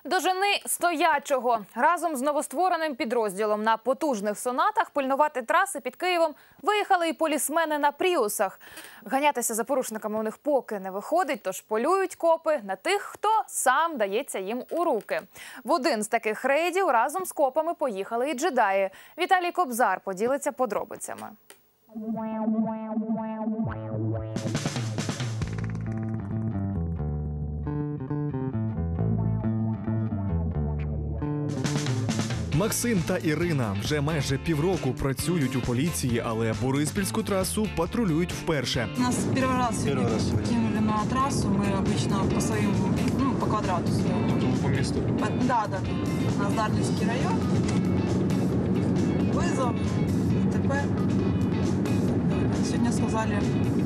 Дожени стоячого. Разом з новоствореним підрозділом на потужних сонатах пильнувати траси під Києвом виїхали і полісмени на пріусах. Ганятися за порушниками у них поки не виходить, тож полюють копи на тих, хто сам дається їм у руки. В один з таких рейдів разом з копами поїхали і джедаї. Віталій Кобзар поділиться подробицями. Максим та Ірина вже майже півроку працюють у поліції, але Бориспільську трасу патрулюють вперше. Нас первый раз кинули на трассу, мы обычно по своим, по квадрату. По місту? Да. У нас Дарницкий район. Вызов, ТП. Сегодня сказали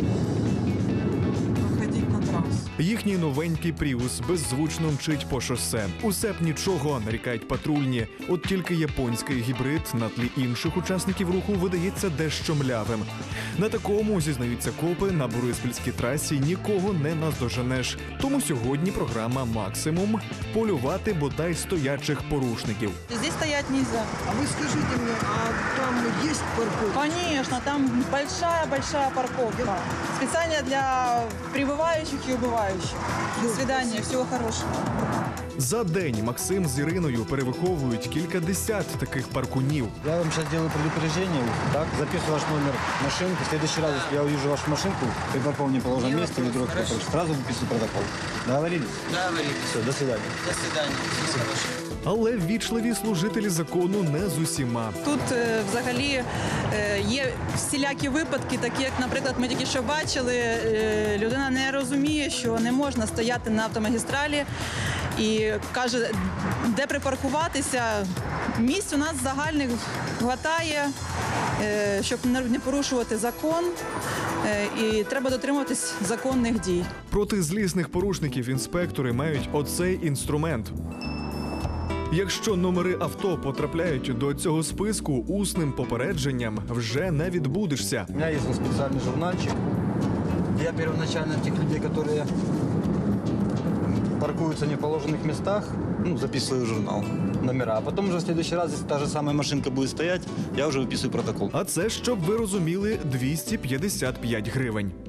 выходить на трассу. Їхній новенький «Пріус» беззвучно мчить по шосе. Усе б нічого, нарікають патрульні. От тільки японський гібрид на тлі інших учасників руху видається дещо млявим. На такому, зізнаються копи, на Бориспільській трасі нікого не наздоженеш. Тому сьогодні програма «Максимум» – полювати бодай стоячих порушників. Здесь стоять нельзя. А вы скажите мне, а там есть парковка? Конечно, там большая парковка. Специально для прибывающих и убывающих. До свидания, всего хорошего. За день Максим з Іриною перевиховують кількадесят таких паркунів. Я вам сейчас делаю предупреждение, так, записываю ваш номер машинки. В следующий раз, если я увижу вашу машинку, при каком неположенном месте или вдруг сразу выписываю протокол. Договорились? Договорились. Все, до свидания. До свидания. Всего хорошего. Але ввічливі служителі закону не з усіма. Тут взагалі є всілякі випадки, такі як, наприклад, ми тільки що бачили, людина не розуміє, що не можна стояти на автомагістралі і каже, де припаркуватися. Місць у нас загальних хватає, щоб не порушувати закон, і треба дотримуватись законних дій. Проти злісних порушників інспектори мають оцей інструмент. Якщо номери авто потрапляють до цього списку, усним попередженням вже не відбудешся. У меня есть специальный журнальчик. Я первоначально тех людей, которые паркуются в неположенных местах, записываю в журнал номера. А потом уже в следующий раз, если та же самая машинка будет стоять, я уже выписываю протокол. А це, щоб ви розуміли, 255 гривень.